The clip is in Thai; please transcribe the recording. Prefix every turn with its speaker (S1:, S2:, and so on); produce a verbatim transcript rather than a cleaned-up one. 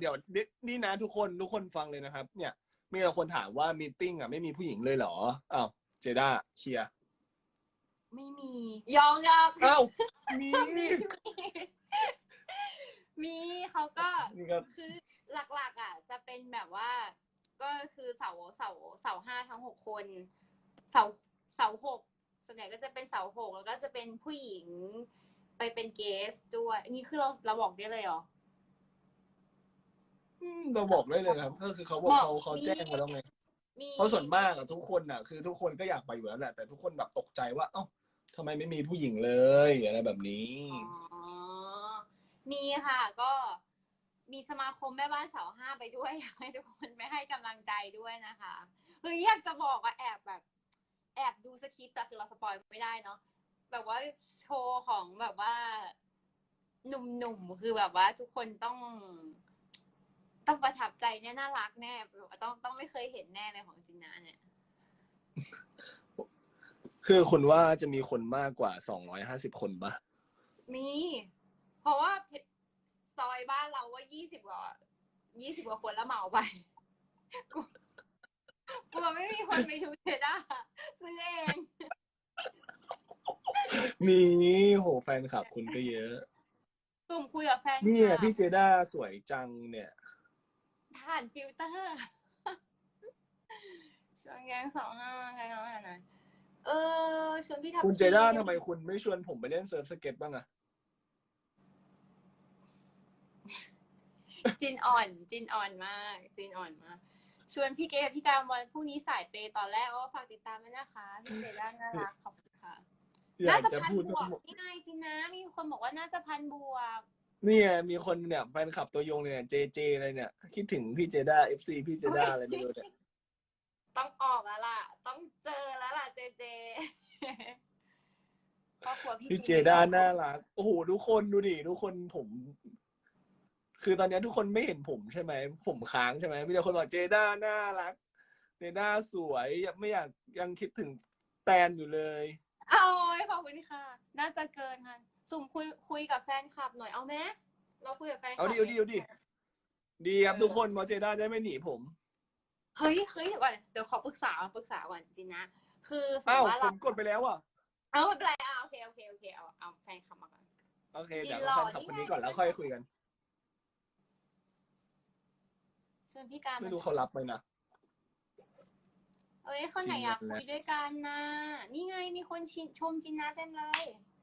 S1: ดี๋ยวนี่นะทุกคนทุกคนฟังเลยนะครับเนี่ยมีคนถามว่ามีตติ้งอ่ะไม่มีผู้หญิงเลยเหรออ้าวเจด้าเชียร์
S2: ไม่มียองยอง
S1: อ้าวมี
S2: มีมีเขาก็
S1: นี่ก็
S2: คือหลักๆอ่ะจะเป็นแบบว่าก็คือเสาเสาเสาห้าทั้งหกคนเสาเสาหกส่วนใหญ่ก็จะเป็นเสาหกแล้วก็จะเป็นผู้หญิงไปเป็นเกสด้วยนี่คือเราเราบอกได้เลยเหรอ
S1: อืมเราบอกได้เลยครับก็คือเขาบอกเขาเขาแจ้งมาแล้วไงเพราะส่วนมากอะทุกคนอะคือทุกคนก็อยากไปอยู่แล้วแหละแต่ทุกคนแบบตกใจว่าเอ้าทำไมไม่มีผู้หญิงเลยอะไรแบบนี้
S2: อ๋อมีค่ะก็มีสมาคมแม่บ้านเสาห้าไปด้วยอยากให้ทุกคนไม่ให้กำลังใจด้วยนะคะเฮ้ยอยากจะบอกว่าแอบแบบแอบดูสคริปต์แต่คือเราสปอยไม่ได้เนาะแบบว่าโชว์ของแบบว่าหนุ่มๆคือแบบว่าทุกคนต้องต้องประทับใจแน่น่ารักแน่แบบว่าต้องต้องไม่เคยเห็นแน่เลยของจินนะเนี่ย
S1: คือคุณว่าจะมีคนมากกว่าสองร้อยห้าสิบคนปะ
S2: มีเพราะว่าซอยบ้านเราว่ายี่สิบกว่ายี่สิบกว่าคนแล้วเหมาไปกูกลัวไม่มีคนไปดูเทด้าซื้อเอง
S1: มีโหแฟนคลับคุณก็เยอะ
S2: สุ่มคุยกับแฟน
S1: นี่พี่เจด้าสวยจังเนี่ย
S2: ผ่านฟิลเตอร์ชวนแกงสองห้าใครน้องไหนเออชวนพี่ทับ
S1: คุณเจด้าทำไมคุณไม่ชวนผมไปเล่นเซิร์ฟสเก็ตบ้างอะ
S2: จินอ่อนจินอ่อนมากจินอ่อนมากชวนพี่เกดพี่การวันพรุ่งนี้สายเปย์ตอนแรกก็ฝากติดตามด้วยนะคะพี่เจด้าน่ารักขอบคุณค่ะน่าจะพันบวกนี่ไงจินนะมีคนบอกว่าน่าจะพันบวก
S1: นี่ไงมีคนเนี่ยแฟนคลับตัวยงเนี่ยเจเจอะไรเนี่ยคิดถึงพี่เจด้าเอฟซีพี่เจด้าอะไรไม่รู้เนี่ย
S2: ต้องออกแล้วล่ะต้องเจอแล้วล่ะเจเจครอบครัวพี่
S1: พี่เจด้าน่ารักโอ้โหทุกคนดูดิทุกคนผม คือตอนนี้ทุกคนไม่เห็นผมใช่ไหมผมค้างใช่ไหมมีแต่คนบอกเจด้าน่ารักเจด้าสวยไม่อยากยังคิดถึงแตนอยู่เลย
S2: เอาขอบคุณค่ะน่าจะเกินค่ะสุ่มคุยคุยกับแฟนคลับหน่อยเอาไหมเราคุยกับแฟนคลับ
S1: เอาดิเอาดิเอาดิดีครับทุกคนบอกเจด้าได้ไม่หนีผม
S2: เฮ้ยเฮ้ยเดี๋ยวก่อนเดี๋ยวขอปรึกษาปรึกษาก่อนจริงนะคือสมม
S1: อ้าว
S2: ติว่า
S1: ผ
S2: เรา
S1: มกดไปแล้วอ่ะ
S2: เอาไม่เป็นไรอ่ะโอเคโอเคโอเคเอาเอาแฟนคลับมาก่อน
S1: โอเคเดี๋ยวเราแฟนคลับคนนี้ก่อนแล้วค่อยคุยกัน
S2: ชวนพี่การ
S1: ไม่รู้เขารับไหมนะ
S2: เอ้ยคนไหนอยากคุยด้วยกันนะนี่ไงมีคนชมจินนะเต็มเลย